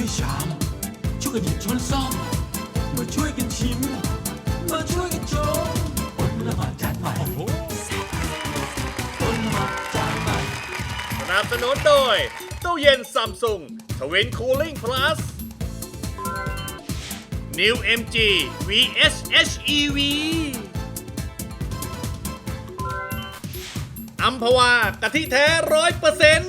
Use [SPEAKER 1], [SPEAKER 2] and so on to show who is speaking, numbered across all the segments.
[SPEAKER 1] ชามช่วยกันหยิบช้อนซ่อมมาช่วยกันชิมมาช่วยกันชมอดละหมาดจานใหม่อดละหมาดจานใหม่
[SPEAKER 2] สนับสนุนโดยตู้เย็นซัมซุงทวินคูลิ่งพลัส New MG VS HEV อัมพวากะทิแท้100%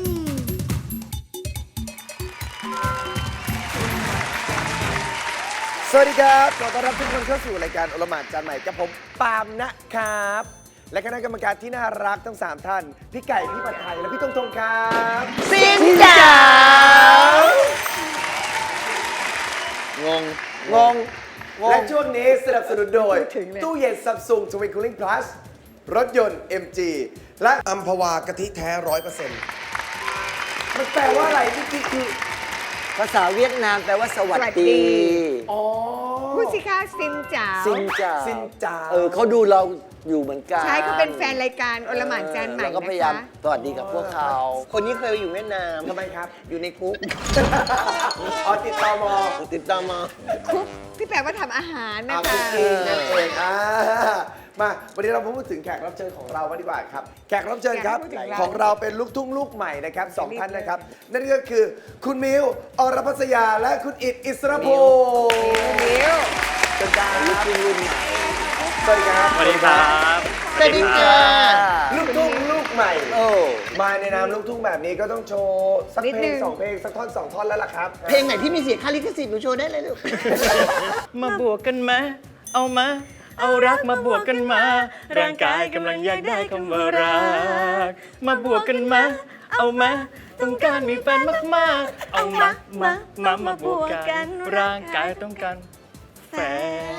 [SPEAKER 3] สวัสดีครับขอต้อนรับทุกคนเข้าสู่รายการโอละหมาดจานใหม่กับผมปาล์มนะครับ และคณะกรรมการที่น่ารักทั้ง 3 ท่าน พี่ไก่ พี่ปัดไทย และพี่ตงครับซินจ๋างง และช่วงนี้สนับสนุนโดย ตู้เย็นซัมซุง Twin Cooling Plus รถยนต์ MG และอัมพวากะทิแท้ 100%มันแปลว่าอะไรนี่คือ
[SPEAKER 4] ภาษาเวียดนามแปลว่าสวัสดี
[SPEAKER 3] อ๋อ
[SPEAKER 5] พูดสิคะซินจ๋า
[SPEAKER 4] ซินจ่า
[SPEAKER 3] ซินจ๋า
[SPEAKER 4] เขาดูเราอยู่เหมือนกัน
[SPEAKER 5] ใช่เขาเป็นแฟนรายการโอละหมานจานใหม่
[SPEAKER 4] เราก็
[SPEAKER 5] นะ
[SPEAKER 4] พยายาม
[SPEAKER 5] คะ
[SPEAKER 4] สวัสดีกับพวกเขา คนนี้เคยไปอยู่เวียดนาม
[SPEAKER 3] ทำไมครับ
[SPEAKER 4] อยู่ในคุก
[SPEAKER 3] อ๋อติดตม
[SPEAKER 4] ติดตามมา
[SPEAKER 5] คุกที่แปลว่าทำอาหารนะ
[SPEAKER 3] คุ
[SPEAKER 5] คะ
[SPEAKER 3] กกี้นั่นเองมาวันนี้เราพูดถึงแขกรับเชิญของเรากันดีกว่าครับ แขกรับเชิญครับของเราเป็นลูกทุ่งลูกใหม่นะครับสองท่านนะครับ นั่นก็คือคุณมิวอรพัสยาและคุณอิฐอิสรพงศ์มิวเป็นดาวลูกทุ่งรุ่นใหม่สวัสดีครับ
[SPEAKER 2] สวัสดีครับ
[SPEAKER 4] สวัสดีค่ะ
[SPEAKER 3] ลูกทุ่งลูกใหม่
[SPEAKER 4] โอ้
[SPEAKER 3] มาในนามลูกทุ่งแบบนี้ก็ต้องโชว์สักเพลงสองเพลงสักท่อนสองท่อนแล้วล่ะครับ
[SPEAKER 4] เพลงไหนที่มีเสียงค่าลิขสิทธิ์หนูโชว์ได้เลยลูก
[SPEAKER 6] มาบวกกันมาเอามา เอารักมาบวกกันมา ร่างกายกำลังอยากได้คำว่ารัก มาบวกกันมา เอามา ต้องการมีแฟนมากๆ เอามาบวกกัน ร่างกายต้องการแฟน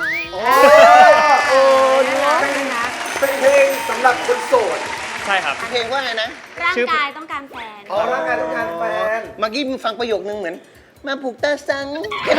[SPEAKER 3] เป็นเพลงสำหรับคนโสด
[SPEAKER 6] ใช่ครับ
[SPEAKER 4] เพลงว่าไงนะ
[SPEAKER 7] ร่างกายต้องการแฟน
[SPEAKER 3] อ๋อร่างกายต้องการแฟน
[SPEAKER 4] เมื่อกี้มึงฟังประโยคนึงเหมือน มาผูกตาสัง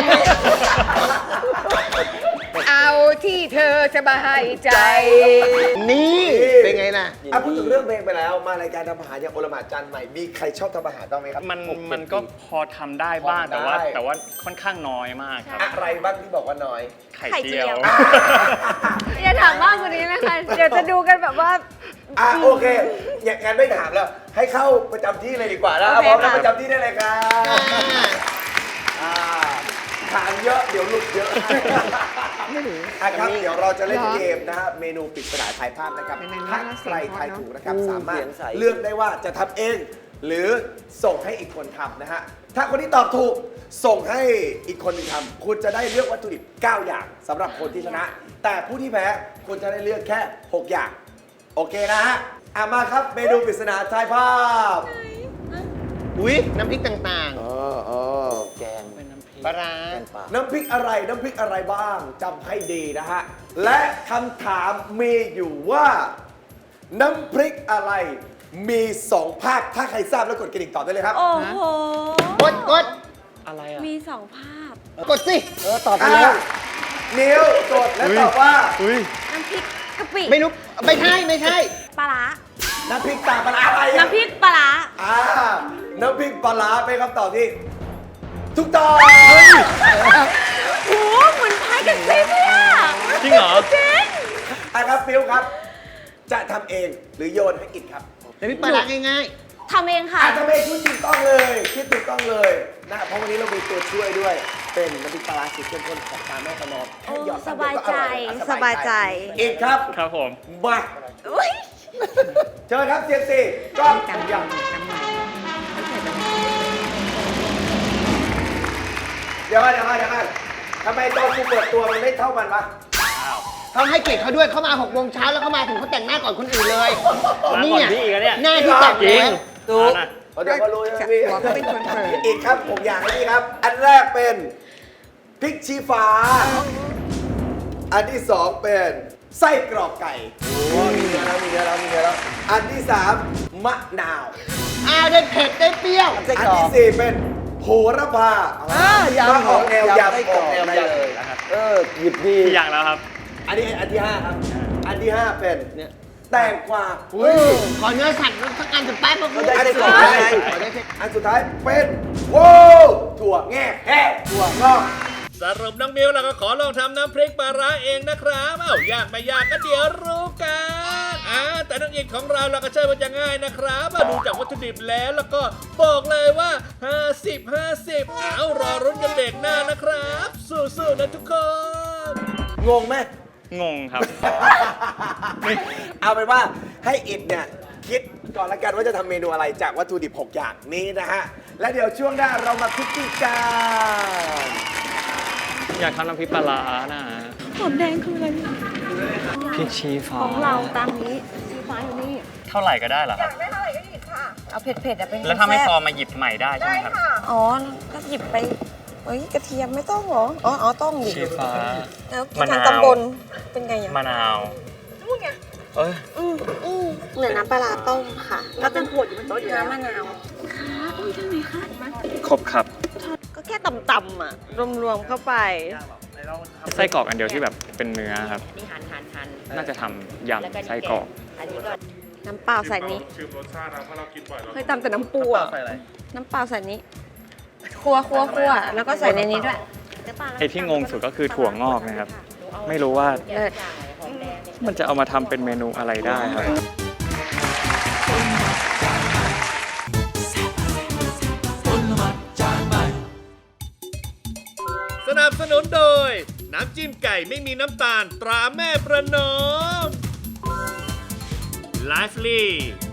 [SPEAKER 5] เอาที่เธอสบายใจ
[SPEAKER 4] นี่เป็นไงล่ะ
[SPEAKER 3] พูดถึงเรื่องเพลงไปแล้ว มารายการทำอาหารอย่างโอละหมาดจานใหม่ มีใครชอบทำอาหารบ้างไหมครับ
[SPEAKER 6] มันก็พอทำได้บ้าง
[SPEAKER 3] พอทำได้
[SPEAKER 6] แต่ว่าค่อนข้างน้อยมากครับ
[SPEAKER 3] อะไรบ้างที่บอกว่าน้อย
[SPEAKER 6] ไข่เจียว
[SPEAKER 7] อย่าถามมากกว่านี้นะคะ เดี๋ยวจะดูกันแบบว่า
[SPEAKER 3] โอเค อย่างงั้นไม่ถามแล้ว ให้เข้าประจำที่เลยดีกว่านะ
[SPEAKER 7] โอเค
[SPEAKER 3] พร้อมแล้ว
[SPEAKER 7] ค่ะ
[SPEAKER 3] ประจำที่ได้เลยครับถามเยอะเดี๋ยวหลุดเยอะครับเดี๋ยวเราจะเล่นเกมนะฮะเมนูปริศนาทายภาพนะครับถ้าใครทายถูกนะครับสามารถเลือกได้ว่าจะทำเอง หรือส่งให้อีกคนทำนะฮะถ้าคนที่ตอบถูกส่งให้อีกคนหนึ่งทำคุณจะได้เลือกวัตถุดิบ9 อย่างสำหรับคนที่ชนะ แต่ผู้ที่แพ้คุณจะได้เลือกแค่ 6 อย่าง โอเคนะฮะมาครับเมนูปริศนาทายภาพ
[SPEAKER 4] อุ้ยน้ำพริกต่าง
[SPEAKER 3] แกง
[SPEAKER 4] ๆปลาร้า
[SPEAKER 3] น้ำพริกอะไรบ้างจำให้ดีนะฮะ และคำถามมีอยู่ว่า น้ำพริกอะไรมี 2 ภาค ถ้าใครทราบแล้วกดกระดิ่งตอบได้เลยครับ
[SPEAKER 7] โอ้โห
[SPEAKER 4] กด
[SPEAKER 6] อะไรอ่ะ
[SPEAKER 7] มีสองภาพ
[SPEAKER 4] กดสิ
[SPEAKER 3] ตอบไปแล้วนิ้วกดและตอบว่า
[SPEAKER 7] น้ำพริกกะปิ
[SPEAKER 4] ไม่รู้ ไม่ใช่
[SPEAKER 7] ปลาร้า
[SPEAKER 3] น้ำพริกตาปลาร้าอะไรอะ
[SPEAKER 7] น้ำพริกปลาร้า
[SPEAKER 3] น้ำพริกปลาร้าเป็นคำตอบที่ถูกต้อง
[SPEAKER 7] โอ้โหเหมือนพายกับซิปเลยอะ
[SPEAKER 6] จริงเหรอ
[SPEAKER 7] จริง
[SPEAKER 3] ครับฟิวครับ จะทำเองหรือโยนให้อิดครับ
[SPEAKER 4] น้ำพริกปลาร้าง่าย
[SPEAKER 7] ทำเองค่ะ
[SPEAKER 3] ทำเองคิดถูกต้องเลยคิดถูกต้องเลยนะเพราะวันนี้เรามีตัวช่วยด้วย เป็นน้ำพริกปลาร้าสูตรเข้มข้นของตาแม่ประนอมแค่หยอด
[SPEAKER 7] สบายใจ
[SPEAKER 3] สบายใจอิดครับ
[SPEAKER 6] ครับผม
[SPEAKER 3] มา
[SPEAKER 7] อุ๊ย
[SPEAKER 3] เชิญครับเซียมซีกล้อง
[SPEAKER 5] จำ
[SPEAKER 3] ยัง
[SPEAKER 5] จำใหม่
[SPEAKER 3] เดี๋ยวกันทำไมตอนกูเปิดตัวมันไม่เท่ามันวะ
[SPEAKER 4] ๆเขาให้เกียรติเขาด้วยเขามา6 โมงเช้าแล้วเขามาถึงเขาแต่งหน้าก่อนคนอื่นเลย
[SPEAKER 6] มาก่อนพี่อีกแล้วเนี่ย
[SPEAKER 4] หน้าที่แต่ง
[SPEAKER 6] จริง
[SPEAKER 4] แล้ว
[SPEAKER 6] ถูก
[SPEAKER 3] เดี๋ยวก็รู้ใช่ไหมพี่
[SPEAKER 5] หัวเขาเป็นคนเปิด
[SPEAKER 3] อีกครับผมอยากให้นี่ครับ อันแรกเป็นพริกชี้ฟ้า อันที่สองเป็นไส้กรอกไก่โอ้มีเนื้อแล้วอันที่สามมะนาว
[SPEAKER 4] ได้เผ็ดได้เปรี้ยว
[SPEAKER 3] อันที่สี่เป็นโหระพา
[SPEAKER 4] ำ
[SPEAKER 3] มาออกแนวย
[SPEAKER 4] ำได้
[SPEAKER 3] ำออกแนว
[SPEAKER 4] ได้
[SPEAKER 3] ย
[SPEAKER 4] เลย
[SPEAKER 6] นะครับ
[SPEAKER 4] หยิบดี
[SPEAKER 6] กี่อย่างแล้วครับ
[SPEAKER 3] อันที่ห้าครับ อันที่ห้าเป็น
[SPEAKER 4] เนี่ย
[SPEAKER 3] แตงกวา
[SPEAKER 4] ขอเนื้อสัตว์สักอันสุดท้ายพวกคุณ
[SPEAKER 3] อันสุดท้ายอันสุดท้ายเป็นโว้ถั่วแง่แห่ถั่วงอก
[SPEAKER 2] สรุปน้องมิวเราก็ขอลองทำน้ำพริกปลาร้าเองนะครับยากไม่ยากก็เดี๋ยวรู้กันแต่น้องอินของเราก็เชื่อว่าจะง่ายนะครับดูจากวัตถุดิบแล้วก็บอกเลยว่า 50 รอรุ้นกันเบรกหน้านะครับ สู้ๆนะทุกคน
[SPEAKER 3] งงไหม
[SPEAKER 6] งงครับ
[SPEAKER 3] เอาเป็นว่าให้อิดเนี่ยคิดก่อนละกันว่าจะทำเมนูอะไรจากวัตถุดิบ 6 อย่างนี้นะฮะ และเดี๋ยวช่วงหน้าเรามาคุกกี้กัน
[SPEAKER 6] อยากทำน้ำพริกปลาร้านะ
[SPEAKER 7] หอมแดงคืออะไร
[SPEAKER 6] พริกชี้ฟ้า
[SPEAKER 7] ของเราตามนี้สีฟ้าอยู่นี่
[SPEAKER 6] เท่าไหร่ก็ได้เหรอครับ
[SPEAKER 7] เอาเผ็ดๆอะเป็น
[SPEAKER 6] แล้วถ้าไม่พอ
[SPEAKER 7] ซ่บ
[SPEAKER 6] มาหยิบใหม่ได้ใช่ไหมครับ
[SPEAKER 7] อ๋อ ก็หยิบไปเอ้ยกระเทียมไม่ต้องเหรอ อ๋อต้องดิ
[SPEAKER 6] ชี้ฟ้า
[SPEAKER 7] แล้ว
[SPEAKER 6] มะนาว
[SPEAKER 7] ทางตำบลเป็นไงอ่ะ
[SPEAKER 6] มะนาวเอ้ย
[SPEAKER 7] เหมือนน้ำปลาร้าต้มค่ะแล้วเป็นขวดอยู่บนโต๊ะอยู่น้ำมะนาว
[SPEAKER 6] ครบครับ
[SPEAKER 7] ก็แค่ต่ำๆอ่ะ รวมๆเข้าไป
[SPEAKER 6] ไส้กรอกอันเดียวที่แบบเป็นเนื้อครับ น่าจะทำยำไส้กรอก
[SPEAKER 7] น้ำเปล่าใส่นี้เคยตำแต่น้ำปูอ่ะน้ำเปล่าใส่นี้คั่วแล้วก็ใส่ในนี้ด้วย
[SPEAKER 6] ไอ้ที่งงสุดก็คือถั่วงอกนะครับ ไม่รู้ว่า
[SPEAKER 7] เลิศ
[SPEAKER 6] มันจะเอามาทำเป็นเมนูอะไรได้ครับ
[SPEAKER 2] สนับสนุนโดย น้ำจิ้มไก่ไม่มีน้ำตาลตราแม่ประนอม Lively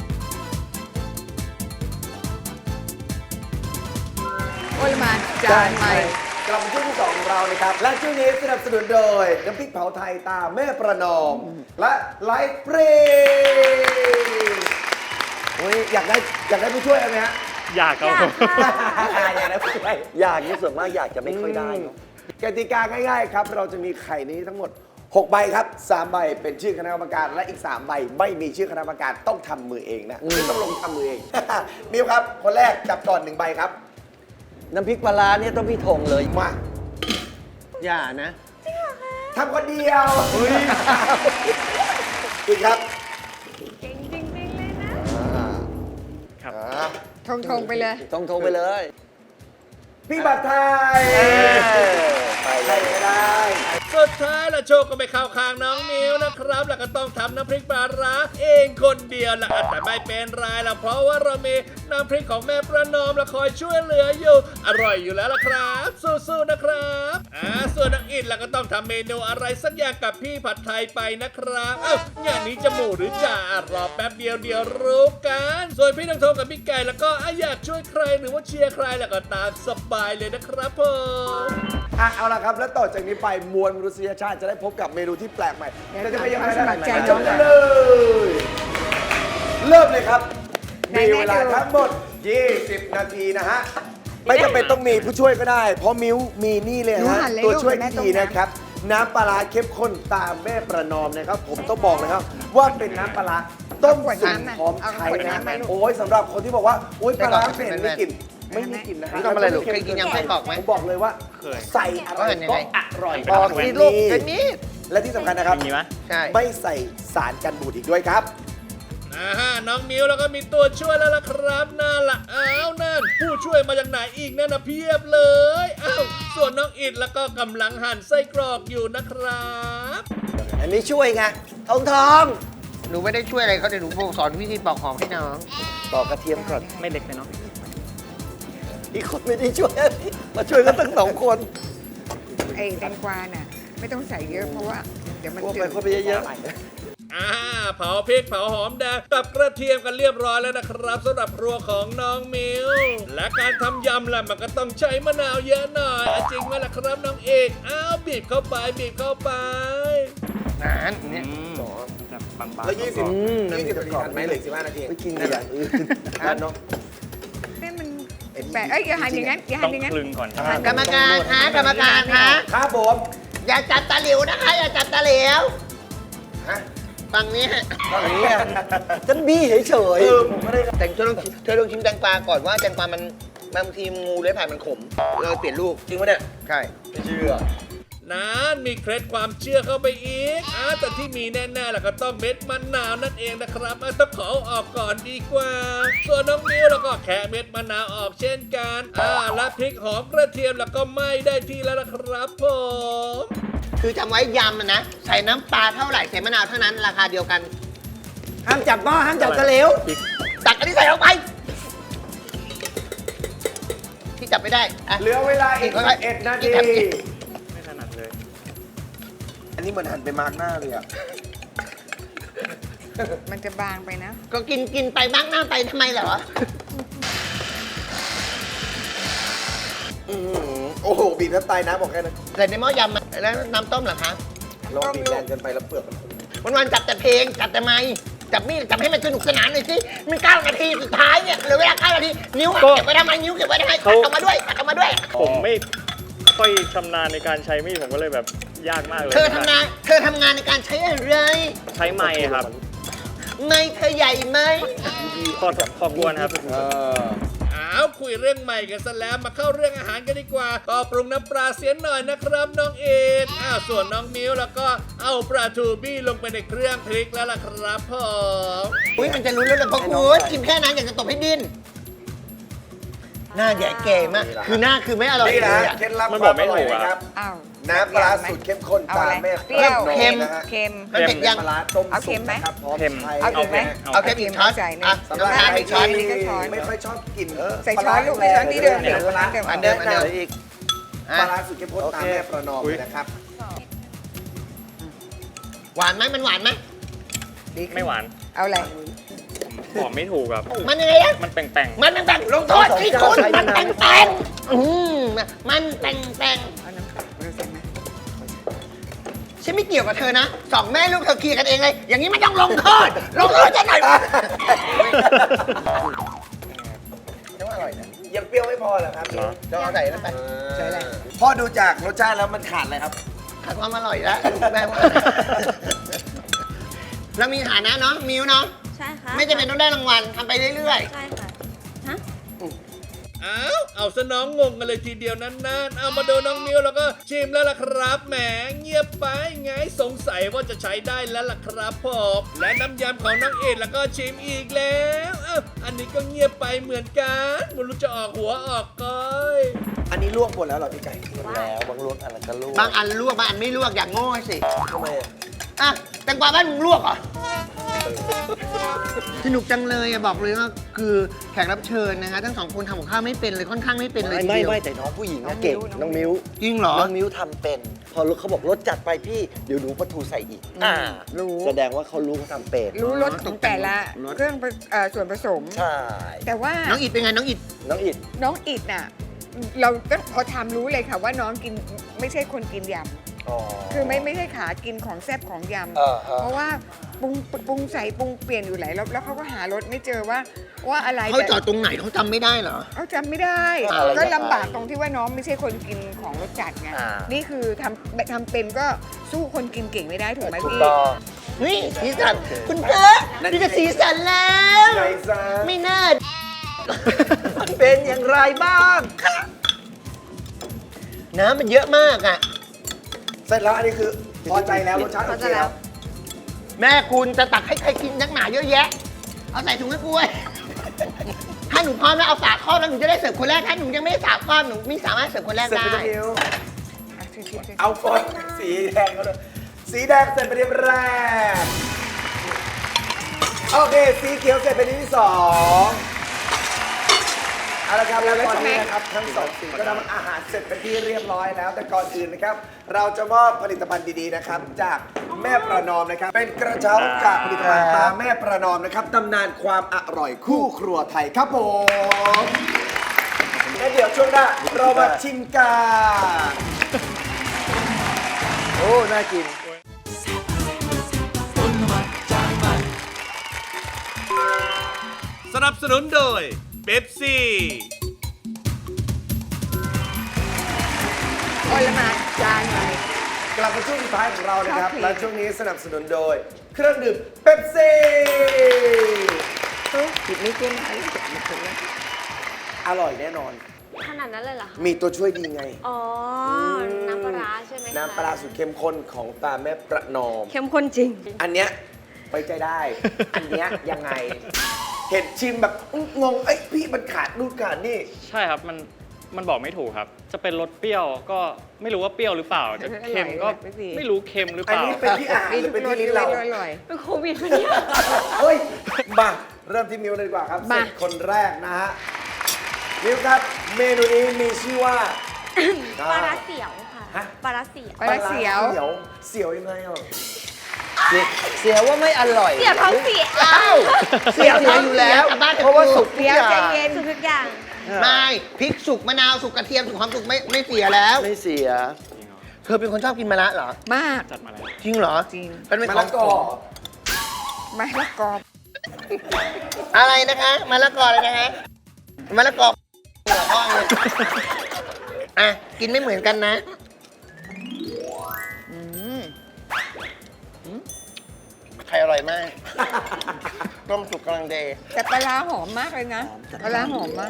[SPEAKER 5] โอลหมานจานใหม่
[SPEAKER 3] กลับมาช่วงที่2ของเรานะครับ และช่วงนี้สนับสนุนโดยน้ำพริกเผาไทยตาแม่ประนอม และไลฟ์เปรย์โอ้ยอยากได้ผู้ช่วยไหมฮะ
[SPEAKER 6] อยากเอา
[SPEAKER 3] อยากได้ผู้ช่วย
[SPEAKER 8] อยากนี่ส่วนมากอยากจะไม่ค่อยได้เนอะ
[SPEAKER 3] กติกาง่ายๆครับ เราจะมีไข่นี้ทั้งหมด 6 ใบครับ 3 ใบเป็นชื่อคณะกรรมการ และอีก 3 ใบไม่มีชื่อคณะกรรมการต้องทำมือเองนะต้องลงทำมือเอง มิวครับ คนแรกจับก่อน 1 ใบครับ
[SPEAKER 8] น้ำพริกปลาร้าเนี่ยต้องพี่ธงเลย
[SPEAKER 3] มา
[SPEAKER 4] อย่านะ
[SPEAKER 3] ทำคนเดียวอีกครับ
[SPEAKER 7] เก่งจริงๆเลยนะ
[SPEAKER 6] ครับ
[SPEAKER 5] ทงไปเลย
[SPEAKER 8] ต้องธงไปเลย
[SPEAKER 3] พี่บัตรไทยไปเลยก็ได้
[SPEAKER 2] สุดท้ายละโชคก็ไม่เข้าข้างน้องมิวนะครับ แล้วก็ต้องทำน้ำพริกปลาร้าเองคนเดียวละแต่ไม่เป็นไรละเพราะว่าเรามีน้ำพริกของแม่ประนอมละคอยช่วยเหลืออยู่ อร่อยอยู่แล้วละครับ สู้ๆนะครับส่วนน้องอินละก็ต้องทำเมนูอะไรสักอย่างกับพี่ผัดไทยไปนะครับงานนี้จะหมูหรือจ่ารอแป๊บเดียวรู้กัน ส่วนพี่น้องโทกับพี่ไก่แล้วก็อยากช่วยใครหรือว่าเชียร์ใครแล้วก็ตามสบายเลยนะครับผม
[SPEAKER 3] เอาละครับ แล้วต่อจากนี้ไปมวลมนุษยชาติจะได้พบกับเมนูที่แปลกใหม่จะไปยังไง
[SPEAKER 5] สมัครใจ
[SPEAKER 3] จบกันเลย เริ่มเลยครับ มีเวลาทั้งหมด 20 นาทีนะฮะ ไม่จำเป็นต้องมีผู้ช่วยก็ได้ เพราะมิ้วมีนี่เลย
[SPEAKER 5] หนู
[SPEAKER 3] ฮะ
[SPEAKER 5] หั่นเลย
[SPEAKER 3] ตัวช่วย
[SPEAKER 5] ลูก
[SPEAKER 3] ที่ดี
[SPEAKER 5] แม่ต้ม
[SPEAKER 3] นะครับ น้ำปลาร้าเข้มข้นตามแม่ประนอมนะครับ ผมต้องบอกเลยครับ ว่าเป็นน้ำปลาร้าต้มสุกหอมไทยนะโอ้ยสำหรับคนที่บอกว่าโอ้ยปลาร้าเผ็ดไม่กลิ่นไม่มีกลิ่นนะฮะ
[SPEAKER 4] ทำอะไรลูกเคยกินยำไส้กรอกไหม
[SPEAKER 3] ผมบอกเลยว่า
[SPEAKER 6] เคย
[SPEAKER 3] ใส่อะไรก็อร่อย
[SPEAKER 4] บอกสิลูกเป็นมีด
[SPEAKER 3] และที่สำคัญนะครับ
[SPEAKER 6] มีไหม
[SPEAKER 4] ใช่
[SPEAKER 3] ไม่ใส่สารกันบูดอีกด้วยครับ
[SPEAKER 2] น้องมิวแล้วก็มีตัวช่วยแล้วล่ะครับนั่นล่ะนั่นผู้ช่วยมาจากไหนอีกนั่นนะเพียบเลยส่วนน้องอิดแล้วก็กำลังหั่นไส้กรอกอยู่นะครับ
[SPEAKER 8] อันนี้ช่วยไงทองทอง
[SPEAKER 4] หนูไม่ได้ช่วยอะไรเขาเดี๋ยวหนูสอนวิธีปอกหอมให้น้อง
[SPEAKER 8] ปอกกระเทียมก่อน
[SPEAKER 6] ไม่เล็กไปเนาะ
[SPEAKER 8] อีกคนไม่ได้ช่วยมาช่วยกันตั้ง2 คน
[SPEAKER 5] ไอ้แตงกวาน่ะไม่ต้องใส่เยอะเพราะว่าเดี๋ยวมัน
[SPEAKER 8] พวก
[SPEAKER 5] จื
[SPEAKER 8] ไป
[SPEAKER 5] ด
[SPEAKER 8] คนไปเยอะ
[SPEAKER 2] เผาพริกเผาหอมแดงกับกระเทียมกันเรียบร้อยแล้วนะครับสำหรับครัวของน้องมิวและการทำยำล่ะมันก็ต้องใช้มะนาวเยอะหน่อยจริงไหมล่ะครับน้องเอกบีบเข้าไปบีบเข้าไป
[SPEAKER 4] นานเนี่ย
[SPEAKER 6] แบบบางๆ
[SPEAKER 3] แล้ว 20 นาทีทันไหมเหลือ15 นาที
[SPEAKER 8] ๆไม่กินอย่างอื่น
[SPEAKER 3] ทันเนาะ
[SPEAKER 5] นี่มันแปลกอย่าหันอย่างนั้นอย่าหั
[SPEAKER 6] ต้อน ง
[SPEAKER 5] อย่างนั้น
[SPEAKER 6] คลึงก่อนครับ
[SPEAKER 4] กรรมการคะกรรมการคะ
[SPEAKER 3] ครับผม
[SPEAKER 4] อย่าจับตาเหลวนะคะ อย่าจับตาเหลว
[SPEAKER 3] ฮะ
[SPEAKER 4] ฝั่งนี้ฮะ
[SPEAKER 8] อย่างนี้ฉันบี้เฉย
[SPEAKER 3] ผมไม่ได้
[SPEAKER 4] แต่เธอต้องชิมแตงกวาก่อนว่าแตงกวามันบางทีงูเลื้อยผ่านมันขมเราเปลี่ยนลูก
[SPEAKER 3] จริงปะเนี่ย
[SPEAKER 4] ใช่
[SPEAKER 3] ไม่เชื่อ
[SPEAKER 2] นั้นมีเคล็ดความเชื่อเข้าไปอีกแต่ที่มีแน่ๆแล้วก็ต้องเม็ดมะนาวนั่นเองนะครับต้องขอออกก่อนดีกว่าส่วนน้องมิ้วแล้วก็แค่เม็ดมะนาวออกเช่นกันและพริกหอมกระเทียมแล้วก็ไม่ได้ที่แล้วนะครับผม
[SPEAKER 4] คือจำไว้ยำนะใส่น้ำปลาเท่าไหร่ใส่มะนาวเท่านั้นราคาเดียวกัน
[SPEAKER 8] ห้ามจับหม้อห้ามจับตะเหลว
[SPEAKER 4] ตักอันนี้ใส่ลงไปที่จับไม่ได้อ่ะ
[SPEAKER 3] เหลือเวลาอีก11 นาที
[SPEAKER 6] ไม่ถนัดเลย
[SPEAKER 3] อันนี้เหมือนหันไปมาร์กหน้าเลยอ่ะ
[SPEAKER 5] มันจะบางไปนะ
[SPEAKER 4] ก็กินไปบ้างหน้าไปทำไมเหรอ
[SPEAKER 3] โอ้โห บีบน้ำตายน้ำบอกแค่นั้น
[SPEAKER 4] ใส่ในหม้อยำแล้วน้ำต้มเหรอคะ
[SPEAKER 3] ลองบีบแรงเกินไปแล้วเปลือกมัน
[SPEAKER 4] วันๆจับแต่เพลงจับแต่ไม้จับมีดจับให้มันสนุกสนานหน่อยสิมัน9 นาทีสุดท้ายเนี่ยเหลือเวลา9 นาทีนิ้วอะเก็บไว้ทำไมนิ้วเก็บไว้ทำไมตัดออกมาด้วยตัดออกมาด้วย
[SPEAKER 6] ผมไม่ค่อยชำนาญในการใช้มีดผมก็เลยแบบยากมากเลย
[SPEAKER 4] เธอทำงานในการใช้อะไร
[SPEAKER 6] ใช้ไม้ครับ
[SPEAKER 4] ไม้เธอใหญ่ไหม
[SPEAKER 6] พอควรครับ
[SPEAKER 2] คุยเรื่องใหม่กันซะแล้วมาเข้าเรื่องอาหารกันดีกว่าก็ปรุงน้ำปลาเสียหน่อยนะครับน้องเอ็ดส่วนน้องมิ้วแล้วก็เอาปลาทูบี้ลงไปในเครื่องพริกแล้วล่ะครับผม
[SPEAKER 4] อุ้ยมันจะรู้แล้วเหรอพ่อคุณกินแค่นั้นอยากจะตบให้ดิ้นหน้าแย่เก๋มากคือหน้าคือไม่อร่อย
[SPEAKER 3] นี่
[SPEAKER 4] เล
[SPEAKER 3] นะ
[SPEAKER 4] ยอะ
[SPEAKER 3] เคล็ดลับ
[SPEAKER 6] มัน
[SPEAKER 3] ค
[SPEAKER 6] บอ
[SPEAKER 3] วาก ม
[SPEAKER 6] ไม่
[SPEAKER 3] อร่อย
[SPEAKER 6] ถูกอะ
[SPEAKER 3] นะครับ
[SPEAKER 5] อ้าว
[SPEAKER 3] น้ำปลาสูตรเข้มข้น
[SPEAKER 5] เอา
[SPEAKER 3] ตา
[SPEAKER 5] อะไร
[SPEAKER 3] มแม่
[SPEAKER 5] เปรี้ยว
[SPEAKER 3] น้อง
[SPEAKER 4] เค็ม
[SPEAKER 3] นะฮะ
[SPEAKER 5] เค็ม
[SPEAKER 4] มันเผ็ดยัง
[SPEAKER 3] ปลาร้าต้ม
[SPEAKER 5] เอาเค็
[SPEAKER 3] สุ
[SPEAKER 5] ม
[SPEAKER 3] ก
[SPEAKER 5] ไหม
[SPEAKER 3] นะครับพร้อม
[SPEAKER 6] เค็ม
[SPEAKER 3] ไทย
[SPEAKER 5] เอาเค็มไหม
[SPEAKER 4] เอาแค่กี่ช้อน
[SPEAKER 5] ใส่หนึ่ง
[SPEAKER 4] อ่ะ
[SPEAKER 3] สำหรับ
[SPEAKER 4] น้ำตาล
[SPEAKER 3] ใคร
[SPEAKER 4] อีกช้อน
[SPEAKER 3] ที่
[SPEAKER 5] ก็ช้อน
[SPEAKER 3] ไม่ค่อยชอบกิน
[SPEAKER 5] ใส่ช้อนลูกใส่ช้อนที่เดิม
[SPEAKER 3] ปลาร้า
[SPEAKER 5] เดิม
[SPEAKER 4] อันเดิม
[SPEAKER 8] อีก
[SPEAKER 3] ปลาร้าสูตรเข้มข้นตามแม่ประนอมเลยนะครับ
[SPEAKER 4] หวานไหมมันหวานไหม
[SPEAKER 6] ไม่หวาน
[SPEAKER 5] เอาอะไร
[SPEAKER 6] บอกไม่ถูกครับ
[SPEAKER 4] มันยังไงอะ
[SPEAKER 6] มันแป่ง
[SPEAKER 4] มันแบ่งลงโทษที่คุณมันแบ่งมันแบ่ง
[SPEAKER 5] เอาน้ำตาลเราใส่ไหม
[SPEAKER 4] ฉันไม่เกี่ยวกับเธอนะสองแม่ลูกเธอเคลียร์กันเองเลย อย่างนี้ไม่ต้องลงโทษจะหน่อย
[SPEAKER 3] ยังเปรี้ยวไม่พอเหรอครับ
[SPEAKER 4] จะเอาใส่แล้วไป
[SPEAKER 5] ใส่อะไร
[SPEAKER 3] พ่อดูจากรสชาติแล้วมันขาดอะไรครับ
[SPEAKER 4] ขาดความอร่อยแล้วแม่ว่าเรามีฐานะเนาะมิวเนาะ
[SPEAKER 7] ใช่ค่ะ
[SPEAKER 4] ไม่จำเป็นต้องได้รางวัลทำไปเรื่อย
[SPEAKER 7] ใช่ค่ะฮะ
[SPEAKER 2] เอาซะน้องงงกันเลยทีเดียวนั้นๆเอามาดูน้องมิ้วแล้วก็ชิมแล้วล่ะครับแหมเงียบไปไงสงสัยว่าจะใช้ได้แล้วล่ะครับผมและน้ำยำของน้องเอ็ดแล้วก็ชิมอีกแล้วอันนี้ก็เงียบไปเหมือนกันไม่รู้จะออกหัวออกก้อย
[SPEAKER 3] อันนี้ลวกหมดแล้วเหรอพี่ไก่
[SPEAKER 8] แล้วบางรสอะไรก็ลูก
[SPEAKER 4] ๆ บางอันลวกบางอันไม่ลวกอย่างโง่สิ
[SPEAKER 8] ทำไมอะ
[SPEAKER 4] อ่ะแตงกวาบ้านมึงลวกเหรอสนุกจังเลยอะบอกเลยว่าคือแขกรับเชิญนะคะทั้งสองคนทำกับข้าวไม่เป็นเลยค่อนข้างไม่เป็นเลยที
[SPEAKER 8] ไม่
[SPEAKER 4] เดียว
[SPEAKER 8] ไม่แต่น้องผู้หญิงอะเก่งน้องมิ้ว
[SPEAKER 4] จริงเหรอ
[SPEAKER 8] น้องมิ้วทำเป็น พอเขาบอกรสจัดไปพี่เดี๋ยวหนูปลาทูใส่อีก
[SPEAKER 5] รู้
[SPEAKER 8] แสดงว่าเขารู้เขาทำเป็น
[SPEAKER 5] รู้รสของแต่ละเครื่องส่วนผสม
[SPEAKER 8] ใช่
[SPEAKER 5] แต่ว่า
[SPEAKER 4] น้องอิดเป็นไงน้องอิด
[SPEAKER 8] น้องอิด
[SPEAKER 5] น้องอิดน่ะ เราก็พอทำรู้เลยค่ะว่าน้องกินไม่ใช่คนกินยำคือไม่ใช่ขากินของแซ่บของยำเพราะว่าปรุงใส่ปรุงเปลี่ยนอยู่หลายรอบแล้วเขาก็หารสไม่เจอว่าอะไร
[SPEAKER 4] เขาจอดตรงไหนเขาจำไม่ได้เหรอ
[SPEAKER 5] เขาจำไม่ได้ ก็ลำบากตรงที่ว่าน้องไม่ใช่คนกินของรสจัดไงนี่คือทำเป็นก็สู้คนกินเก่งไม่ได้ถูกไหม
[SPEAKER 8] ถูก
[SPEAKER 5] พี่
[SPEAKER 8] ต้อง
[SPEAKER 4] นี่สีสันคุณเจ๊นี่จะสีสันแล้ว
[SPEAKER 3] ไก่ซะ
[SPEAKER 4] ไม่น่า
[SPEAKER 8] มันเป็นอย่างไรบ้าง
[SPEAKER 4] น้ำมันเยอะมากอ่ะ
[SPEAKER 3] เสร็จแล้วอันนี้คือพอใจแล้วรสชาติโอเคแล้ว
[SPEAKER 4] แม่คุณจะตักให้ใครกินนักหนาเยอะแยะ เอาใส่ถุงให้กูไว้ถ้าหนูพร้อมแล้วเอาฝาครอบแล้วหนูจะได้เสิร์ฟคนแรกถ้าหนูยังไม่ได้ฝาครอบหนูไม่สามารถเสิร์ฟคนแรก
[SPEAKER 3] เสร็จ
[SPEAKER 4] ได้
[SPEAKER 3] ไปแล้วมิ้ว
[SPEAKER 5] อ่ะชิมๆๆ
[SPEAKER 3] เอาฟอนสีแดงเขาเลยสีแดงเสร็จเป็นที่แรก โอเค สีเขียวเสร็จเป็นที่สองเอาละครับแล้วตอนนี้นะครับทั้งสองสีก็ทำอาหารเสร็จเป็นที่เรียบร้อยแล้ว แต่ก่อนอื่นนะครับ เราจะมอบผลิตภัณฑ์ดีๆนะครับ จากแม่ประนอมนะครับ เป็นกระเช้าจากผลิตภัณฑ์ตาแม่ประนอมนะครับตำนานความอร่อยคู่ครัวไทยครับผมและเดี๋ยวช่วงหน้าเรามาชิมกัน
[SPEAKER 8] โอ้ น่ากิน
[SPEAKER 2] สนับสนุนโดยเป๊ปซี่
[SPEAKER 5] โอ้ยละมาจานหน่อย
[SPEAKER 3] กลับมาช่วงสุดท้ายของเรานะครับ
[SPEAKER 5] ครับ
[SPEAKER 3] และช่วงนี้สนับสนุนโดย เครื่องดื่มเป๊ปซี่
[SPEAKER 5] ผิดไม่เกินอะไรจะมาคนละ
[SPEAKER 3] อร่อยแน่นอน
[SPEAKER 7] ขนาดนั้นเลยเหรอคะ
[SPEAKER 3] มีตัวช่วยดีไง
[SPEAKER 7] อ๋อ น้ำปลาร้าใช่ไหมคะ
[SPEAKER 3] น้ำปลาร้าสูตรเข้มข้นของตาแม่ประนอม
[SPEAKER 7] เข้มข้นจริง
[SPEAKER 3] อันเนี้ยไว้ใจได้ อันเนี้ยยังไง เห็นชิมแบบงง เอ้ยพี่มันขาดนู่นขาดนี่
[SPEAKER 6] ใช่ครับมันบอกไม่ถูกครับ จะเป็นรสเปรี้ยวก็ไม่รู้ว่าเปรี้ยวหรือเปล่าจะเค็มก็ไม่รู้เค็มหรือ
[SPEAKER 3] อั
[SPEAKER 6] เป
[SPEAKER 3] น
[SPEAKER 6] ล่า
[SPEAKER 3] นี้เป็นที่อาหารหรือเป็นที่ลิ้นเรา
[SPEAKER 5] อร่อย
[SPEAKER 7] เป็นโควิดปะเนี่ย
[SPEAKER 3] เฮ้ย มาเริ่มที่มิวเลยดีกว่าครับ
[SPEAKER 5] มา
[SPEAKER 3] เสร็จคนแรกนะฮะ มิวครับ เมนูนี้มีชื่อว่า
[SPEAKER 7] ปลาร้าเสียวค่ะ
[SPEAKER 3] ฮะ
[SPEAKER 7] ปลาร้าเสียว
[SPEAKER 5] ปลาร้าเสียว
[SPEAKER 3] เสียวยังไงอ่ะ
[SPEAKER 8] เสียว่าไม่อร่อย
[SPEAKER 7] เสียวท้องเสีย
[SPEAKER 4] เสียอยู่แล้วกลับบ้าน
[SPEAKER 8] เพราะว่าสุกทุก
[SPEAKER 5] เดี๋ยว
[SPEAKER 8] อย่า
[SPEAKER 5] ใจ
[SPEAKER 8] ง
[SPEAKER 5] เย็น
[SPEAKER 7] สุกทุกอย่าง
[SPEAKER 4] ไม่พริกสุกมะนาวสุกกระเทียมสุกความสุกไม่เสียแล้ว
[SPEAKER 8] ไม่เสีย
[SPEAKER 4] เธอเป็นคนชอบกินมะระเหรอ
[SPEAKER 5] มาก
[SPEAKER 6] จัดมาแล้ว
[SPEAKER 4] จริงเหรอ
[SPEAKER 5] จริง
[SPEAKER 4] เป็น
[SPEAKER 3] มะ
[SPEAKER 4] ขอ
[SPEAKER 3] ละ
[SPEAKER 4] ง
[SPEAKER 3] กอ
[SPEAKER 5] มะละกอ
[SPEAKER 4] อะไรนะคะมะละกอเลยนะคะมะละกอหัวห้องเลยอ่ะกินไม่เหมือนกันนะไข่อร่อยมากต้มสุกกำลังเดย์
[SPEAKER 5] แต่ปลาร้าหอมมากเลยนะปลาร้าหอมมาก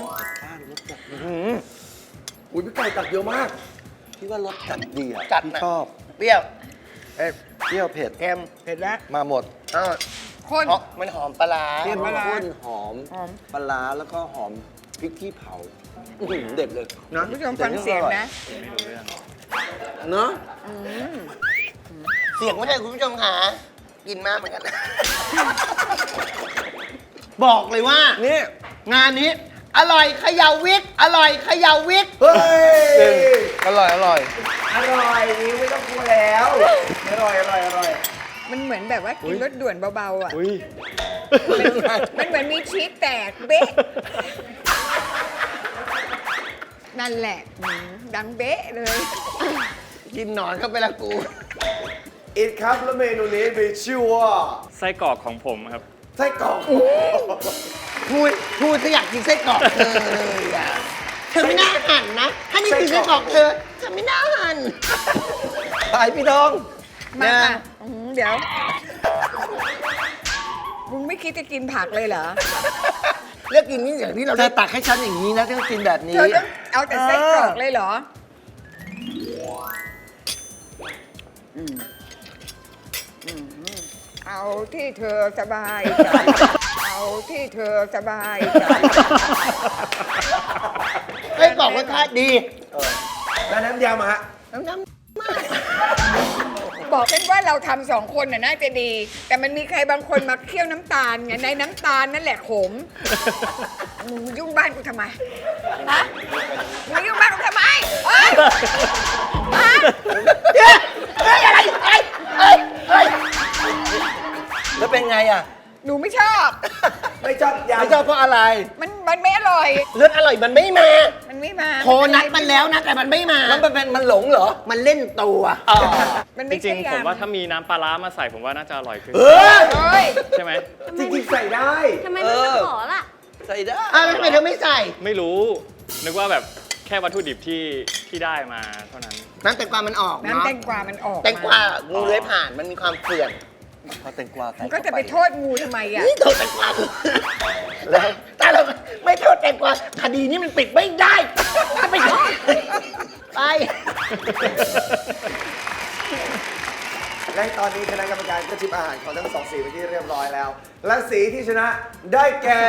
[SPEAKER 3] อุ้ยพี่ไก่ตักเยอะมาก
[SPEAKER 8] พี่ว่ารสจัดดีอ่ะ
[SPEAKER 4] จัด
[SPEAKER 8] พี่
[SPEAKER 4] นะ
[SPEAKER 8] ชอบ
[SPEAKER 4] เปรี้ยว
[SPEAKER 8] เปรี้ยวเผ็ด
[SPEAKER 4] เค็ม
[SPEAKER 5] เผ็ดแล้ว
[SPEAKER 8] มาหมด
[SPEAKER 4] อ้าว
[SPEAKER 5] ข้น
[SPEAKER 4] เพราะมันหอมปลาร้า
[SPEAKER 8] เข้ม
[SPEAKER 5] ปลาร้า
[SPEAKER 8] ข้นหอม
[SPEAKER 5] หอม
[SPEAKER 8] ปลาร้าแล้วก็หอมพริกขี้เผาอื้อหือเด็ดเลย
[SPEAKER 5] คุณผู้ชมฟังเสียงนะ
[SPEAKER 8] เนาะ
[SPEAKER 4] เสียงไม่ใช่คุณผู้ชมค่ะกินมากเหมือนกันบอกเลยว่า
[SPEAKER 8] นี่
[SPEAKER 4] งานนี้ อร่อยเขย่าวิกอร่อยเขย่าวิก
[SPEAKER 3] เฮ้ย
[SPEAKER 8] อร่อยอร่อย
[SPEAKER 3] อร่อยนี่ไม่ต้องกลัวแล้ว อร่อย อร่อย อร่อย
[SPEAKER 5] มันเหมือนแบบว่ากินรสด่วนเบาๆอ่ะ
[SPEAKER 6] อุ้ย
[SPEAKER 5] มันเหมือนมีชีสแตกเบ๊ะ นั่นแหละดังเบ๊ะเลย
[SPEAKER 4] กินหนอนเข้าไปละกู
[SPEAKER 3] อีกครับแล้วเมนูนี้มีชื่อว่า
[SPEAKER 6] ไส้กรอกของผมครับ
[SPEAKER 3] ไส้กรอก
[SPEAKER 4] พูดถ้าอยากกินไส้กรอกเธอเลยอ่ะเธอไม่น่าหั่นนะ ถ้านี่คือไส้กรอกเธอไม่น่าหั่น
[SPEAKER 8] ไปพี่น้อง
[SPEAKER 5] มา
[SPEAKER 4] นะ
[SPEAKER 5] ค่ะเดี๋ยว มึงไม่คิดจะกินผักเลยเหรอ
[SPEAKER 4] เลือกกินนี่อย่างที่เรา
[SPEAKER 8] เธอตักให้ฉันอย่างนี้นะต้องกินแบบนี้
[SPEAKER 5] เธอต้องเอาแต่ไส้กรอกเลยเหรอ เอาที่เธอสบายใจ เอาที่เธอสบายใจ
[SPEAKER 4] ไส้กรอกรสชาติดี
[SPEAKER 3] แล้วน้ำยำอะฮะ
[SPEAKER 4] น้ำ
[SPEAKER 5] บอกกันว่าเราทำสองคนน่ะน่าจะดี แต่มันมีใครบางคนมาเคี่ยวน้ำตาลไงในน้ำตาลนั่นแหละขมมึงยุ่งบ้านกูทำไมฮะมึงยุ่งบ้านกูทำไมเฮ้ยฮะ
[SPEAKER 8] แล้วเป็นไงอ่ะ
[SPEAKER 5] หนูไม่ชอบ
[SPEAKER 3] ไม่ชอบยำ
[SPEAKER 8] ไม่ชอบเพราะอะไร
[SPEAKER 5] มันไม่อร่อย
[SPEAKER 4] เลือดอร่อยมันไม่มา
[SPEAKER 5] มันไม่มา
[SPEAKER 4] โทรนัดมันแล้วนะแต่มันไม่มา
[SPEAKER 8] แล้วมันหลงเหรอ
[SPEAKER 4] มันเล่นตัว
[SPEAKER 5] มัน
[SPEAKER 6] จ
[SPEAKER 5] ไม่
[SPEAKER 6] ริ
[SPEAKER 5] ใช่
[SPEAKER 6] งๆ ผม
[SPEAKER 5] ยำ
[SPEAKER 6] ว่าถ้ามีน้ำปลาร้ามาใส่ผมว่าน่าจะอร่อยขึ้น
[SPEAKER 3] เออ
[SPEAKER 5] โอ้ย
[SPEAKER 6] ใช่ไหม
[SPEAKER 3] จริงๆใส่ได้
[SPEAKER 7] ทำไมไม่มาขอล่ะ
[SPEAKER 8] ใส่ได้
[SPEAKER 4] อ้าวแล้วทำไมเธอไม่ใส่
[SPEAKER 6] ไม่รู้ นึกว่าแบบแค่วัตถุดิบที่ได้มาเท่านั้น
[SPEAKER 4] น้ำแตงกวามันออก
[SPEAKER 5] น้ำ
[SPEAKER 4] เนาะ
[SPEAKER 5] แตงกวามันออก
[SPEAKER 4] แตงกวางูเลื้อยผ่านมันมีความเปื่อน
[SPEAKER 8] พอแตงกวาใส่
[SPEAKER 5] มันก็จะไปโทษงูทำไมอ่ะ
[SPEAKER 4] นี่โทษแตงกวาแล้วแต่เราไม่โทษแตงกวาคดีนี้มันปิดไม่ได้ไปโทษไป
[SPEAKER 3] และตอนนี้คณะกรรมการก็ชิมอาหารของทั้งสองสีไปที่เรียบร้อยแล้ว และสีที่ชนะได้แก่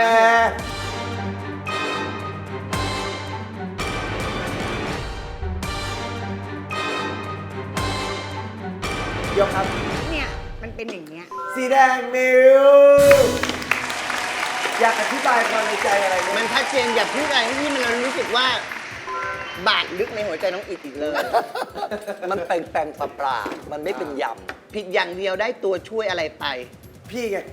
[SPEAKER 3] ยกครับ
[SPEAKER 5] เนี่ย มันเป็นอย่างเงี้ย
[SPEAKER 3] สีแดงมิวอยากอธิบายความในใจอะไรไหม
[SPEAKER 4] มันชัดเจนอย่าพูดอะไรที่มันรู้สึกว่า บาดลึกในหัวใจน้องอิดอีกเลย
[SPEAKER 8] มันแปลงปลาๆมันไม่เป็นย
[SPEAKER 4] ผิดอย่างเดียวได้ตัวช่วยอะไรไป
[SPEAKER 3] พี่ไง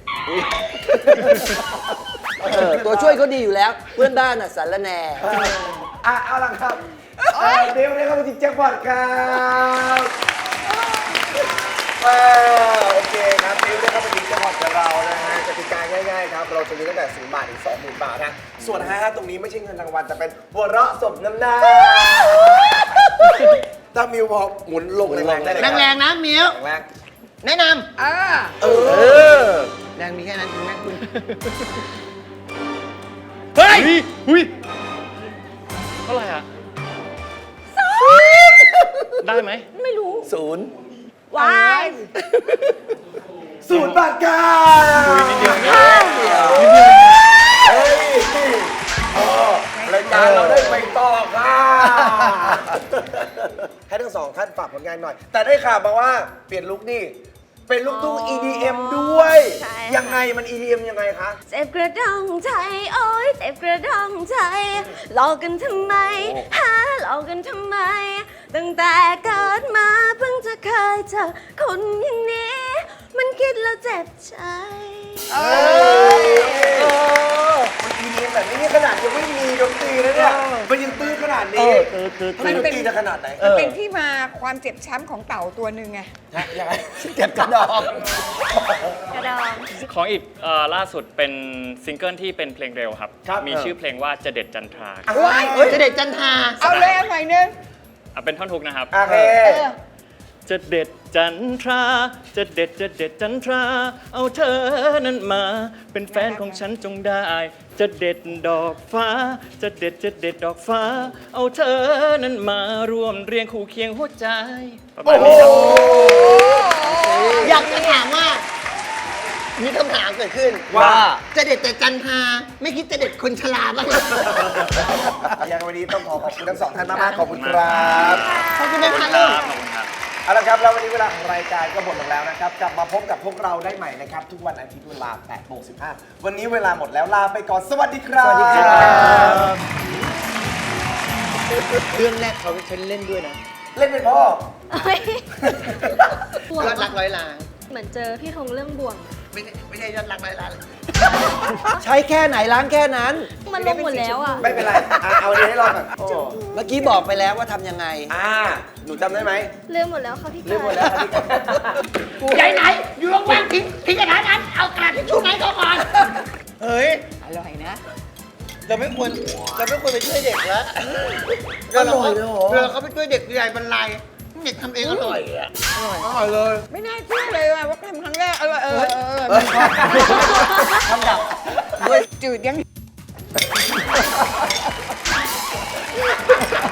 [SPEAKER 8] ำตัวช่วยเขาดีอยู่แล้ว เพื่อนบ้านอ่ะสารแหน่
[SPEAKER 3] เอาล่ะครับมิวได้เข้าไปที่แจ็คพอตครับโอเคครับมิวได้เข้าไปที่แจ็คพอตกับเรานะฮะกติกาง่ายๆครับ เราจะมีตั้งแต่0 บาทถึง 20,000 บาทนะส่วน5ตรงนี้ไม่ใช่เงินรางวัลแต่เป็นหัวเราะสมน้ำหน้าถ้ามิวพอหมุนลงแรงๆได้เลย
[SPEAKER 4] แรงๆนะเมียว
[SPEAKER 3] แรง
[SPEAKER 4] แนะน
[SPEAKER 5] เออ
[SPEAKER 4] ำแรงมีแค่นั้นคุณแม่คุณ
[SPEAKER 6] เฮ้ยหุ้ยเท่าไหร่อ่ะได้ไหม
[SPEAKER 7] ไม่รู้
[SPEAKER 8] 0
[SPEAKER 7] วาย
[SPEAKER 3] 0 บาทค่ะเฮ้ยรายการเราได้ไปต่อค่ะให้ทั้งสองท่านฝากผลงานหน่อย แต่ได้ข่าวมาว่าเปลี่ยนลุคนี่เป็นลูกทุ่ง EDM ด้วย
[SPEAKER 7] ใช่ค่ะ
[SPEAKER 3] ยังไงมัน EDM ยังไงคะ
[SPEAKER 7] เจ็บกระดองใจโอ้ยเจ็บกระดองใจหลอกกันทำไมหาหลอกกันทำไม ตั้งแต่เกิดมาเพิ่งจะเคยเจอคนอย่างนี้ มันคิดแล้วเจ็บใจ
[SPEAKER 3] มัน EDM แบบนี้นี่ขนาดยังไม่มีดนตรีนะเนี่ยมันยังตื้อขนาดนี้ทำไมดนตรีจะขนาดไหน
[SPEAKER 5] มันเป็นที่มาความเจ็บช้ำของเต่าตัวหนึ่งไง
[SPEAKER 3] ยังไง
[SPEAKER 8] เก็บกระดอง
[SPEAKER 7] กระดอง
[SPEAKER 6] ของอีกล่าสุดเป็นซิงเกิลที่เป็นเพลงเร็วครับ
[SPEAKER 3] ครับ
[SPEAKER 6] มีชื่อเพลงว่าจะเด็ดจันทรา
[SPEAKER 4] ว้ายจะเด็ดจันทรา
[SPEAKER 5] เอาเลยเอาหน่อยนึง
[SPEAKER 6] เป็นท่อนฮุกนะครับ
[SPEAKER 3] โอเค
[SPEAKER 6] จะเด็ดจันทรา จะเด็ดจันทรา เอาเธอนั้นมา เป็นแฟนของฉันจงได้ จะเด็ดดอกฟ้า จะเด็ดดอกฟ้า เอาเธอนั้นมาร่วมเรียงคู่เคียงหัวใจประมาณนี้ครับ
[SPEAKER 4] อยากจะถามว่า มีคำถามเกิดขึ้น
[SPEAKER 3] ว่า
[SPEAKER 4] จะเด็ดแต่จันทราไม่คิดจะเด็ดคนชราบ้างเหรอ
[SPEAKER 3] ยังวันนี้ต้องขอบคุณทั้งสองท่านมากๆขอบคุณครับ
[SPEAKER 4] ขอบคุณนะคะ
[SPEAKER 6] ค
[SPEAKER 4] ลู
[SPEAKER 6] รั
[SPEAKER 4] ก
[SPEAKER 6] บขอบคุณครับ
[SPEAKER 3] เอาละครับแล้ววันนี้เวลาของรายการก็หมดลงแล้วนะครับ กลับมาพบกับพวกเราได้ใหม่นะครับ ทุกวันอาทิตย์เวลา 8:15 วันนี้เวลาหมดแล้วลาไปก่อนสวัสดีครับ
[SPEAKER 8] สวัสดีครับ
[SPEAKER 4] เรื่องแรกเขาฉันเล่นด้วยนะ
[SPEAKER 3] เล่นเป็นพ่อ
[SPEAKER 4] ยอดรักร้อยล้าน
[SPEAKER 7] เหมือนเจอพี่ธงเรื่องบ่วง
[SPEAKER 4] ไม่ใช่ยอดรักร้อยล้าน
[SPEAKER 8] ใช้แค่ไหนล้างแค่นั้น
[SPEAKER 7] มันลงหมดแล้วอ่ะ
[SPEAKER 3] ไม่เป็นไรเอาดีให้รอดก่อน
[SPEAKER 8] เมื่อกี้บอกไปแล้วว่าทำยังไง
[SPEAKER 3] หนูจำได้ไหม
[SPEAKER 7] เรื่องหมดแล้วค่ะพี่
[SPEAKER 3] ลืมหมดแล้วครับพี่
[SPEAKER 4] ใหญ่ไหน อยู่ว่างๆทิ้งกระดาษนั้น เอากระดาษทิชชู่ไหนเขาก่อน เฮ้ย
[SPEAKER 5] อร่อยนะ
[SPEAKER 4] เราไม่ควรไปช่วยเด็กแล้ว
[SPEAKER 8] อร่อยเลยเหรอ
[SPEAKER 4] เวลาเขาไปช่วยเด็กใหญ่บรรลัยเด็กทำเองอร่อยอ่ะ
[SPEAKER 5] ไม่น่าเชื่อเลยว่าทำครั้งแรกอร่อย
[SPEAKER 8] ทำดับ
[SPEAKER 5] จืดยัง